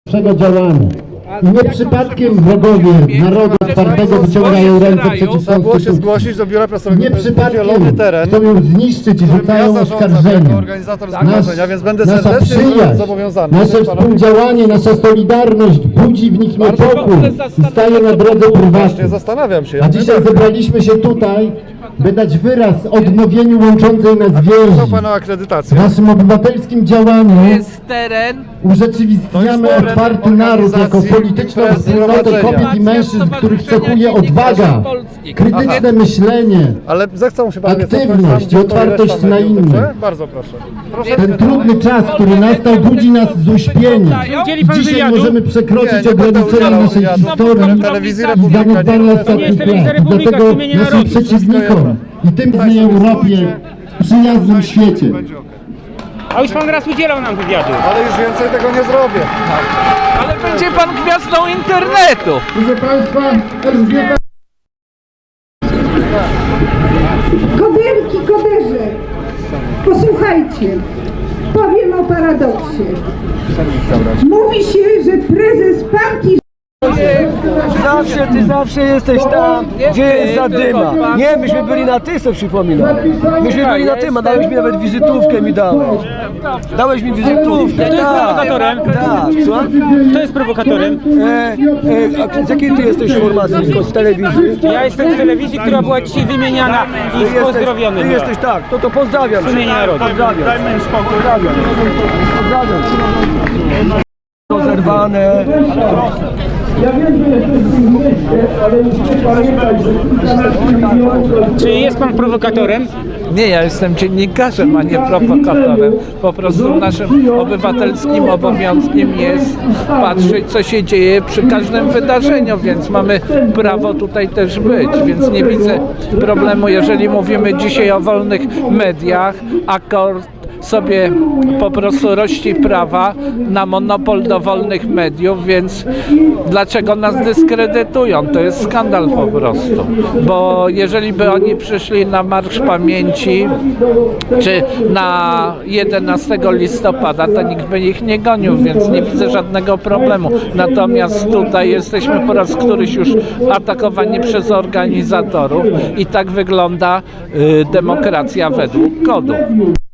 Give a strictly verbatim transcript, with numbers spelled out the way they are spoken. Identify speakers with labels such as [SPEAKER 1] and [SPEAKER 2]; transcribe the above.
[SPEAKER 1] naszego działania. I nie przypadkiem wrogowie narodu otwartego wyciągają ręce przeciw
[SPEAKER 2] Trzeba było się
[SPEAKER 1] konstytucji.
[SPEAKER 2] zgłosić do biura prasowego.
[SPEAKER 1] Nie
[SPEAKER 2] To jest
[SPEAKER 1] przypadkiem
[SPEAKER 2] podzielony teren,
[SPEAKER 1] chcą ją zniszczyć i
[SPEAKER 2] którym ja
[SPEAKER 1] rzucają
[SPEAKER 2] zarządzam
[SPEAKER 1] oskarżenia.
[SPEAKER 2] jako organizator zgromadzenia, więc będę
[SPEAKER 1] nasza
[SPEAKER 2] serdecznie
[SPEAKER 1] przyjaźń,
[SPEAKER 2] zobowiązany.
[SPEAKER 1] nasze współdziałanie, nasza solidarność budzi w nich niepokój i staje na drodze
[SPEAKER 2] Właśnie
[SPEAKER 1] prywatnej.
[SPEAKER 2] zastanawiam się.
[SPEAKER 1] A dzisiaj zebraliśmy się tutaj, by dać wyraz odnowieniu łączącej nas
[SPEAKER 2] Proszę
[SPEAKER 1] więzi.
[SPEAKER 2] Panu o akredytację.
[SPEAKER 1] W naszym obywatelskim działaniu
[SPEAKER 3] jest teren.
[SPEAKER 1] urzeczywistniamy otwarty naród jako polityczną wspólnotę kobiet i mężczyzn, których cechuje odwaga, krytyczne myślenie,
[SPEAKER 2] Ale zechcą się Pan mnie cofnąć
[SPEAKER 1] aktywność
[SPEAKER 2] tam,
[SPEAKER 1] i
[SPEAKER 2] gdzie stoi
[SPEAKER 1] otwartość
[SPEAKER 2] reszta
[SPEAKER 1] na
[SPEAKER 2] mediów,
[SPEAKER 1] innych.
[SPEAKER 2] dobrze? Bardzo proszę. Proszę.
[SPEAKER 1] Ten trudny czas, który nastał, budzi nas z uśpienia.
[SPEAKER 4] Udzieli pan
[SPEAKER 1] Dzisiaj
[SPEAKER 4] wywiadu?
[SPEAKER 1] możemy
[SPEAKER 2] Nie,
[SPEAKER 1] przekroczyć
[SPEAKER 2] nie będę
[SPEAKER 1] ograniczenia
[SPEAKER 2] udzielał
[SPEAKER 1] naszej
[SPEAKER 2] wywiadu.
[SPEAKER 1] historii
[SPEAKER 2] Telewizji
[SPEAKER 1] i
[SPEAKER 2] Republika nie
[SPEAKER 1] zaniedbania
[SPEAKER 2] będę
[SPEAKER 1] ostatnich
[SPEAKER 4] jest telewizja
[SPEAKER 1] lat.
[SPEAKER 4] Republika,
[SPEAKER 1] Dlatego
[SPEAKER 4] w imieniu
[SPEAKER 1] naszym
[SPEAKER 4] narodu.
[SPEAKER 1] przeciwnikom i tym w niej Europie w przyjaznym świecie.
[SPEAKER 2] Będzie okej.
[SPEAKER 4] A już pan raz udzielał nam wywiadu.
[SPEAKER 2] Ale już więcej tego nie zrobię.
[SPEAKER 3] Ale będzie pan gwiazdą internetu.
[SPEAKER 1] Proszę Państwa, Elżbieta
[SPEAKER 5] Koderki, koderze, posłuchajcie, powiem o paradoksie. Mówi się, że prezes partii
[SPEAKER 6] Zawsze, ty zawsze jesteś tam, gdzie jest zadyma. Nie, myśmy byli na ty, co przypominam. Myśmy byli na tym, a dałeś mi nawet wizytówkę mi dałeś. Dałeś mi wizytówkę.
[SPEAKER 4] Kto jest prowokatorem?
[SPEAKER 6] Tak, słucham?
[SPEAKER 4] Kto jest prowokatorem?
[SPEAKER 6] E, e, a z jakiej ty jesteś formacji? Tylko z telewizji?
[SPEAKER 4] Ja jestem z telewizji, która była dzisiaj wymieniana i
[SPEAKER 6] Ty
[SPEAKER 4] z pozdrowionym.
[SPEAKER 6] Ty jesteś tak, no to pozdrawiam.
[SPEAKER 4] W imieniu narodu.
[SPEAKER 6] Pozdrawiam. Dajmy im spokój. Pozdrawiam. Pozdrawiam. Rozerwane.
[SPEAKER 4] Czy jest pan prowokatorem?
[SPEAKER 3] Nie, ja jestem dziennikarzem, a nie prowokatorem. Po prostu naszym obywatelskim obowiązkiem jest patrzeć, co się dzieje przy każdym wydarzeniu, więc mamy prawo tutaj też być, więc nie widzę problemu, jeżeli mówimy dzisiaj o wolnych mediach, akord sobie po prostu rości prawa na monopol do wolnych mediów, więc dlaczego nas dyskredytują? To jest skandal po prostu, bo jeżeli by oni przyszli na Marsz Pamięci czy na jedenastego listopada, to nikt by ich nie gonił, więc nie widzę żadnego problemu. Natomiast tutaj jesteśmy po raz któryś już atakowani przez organizatorów i tak wygląda y, demokracja według kodu.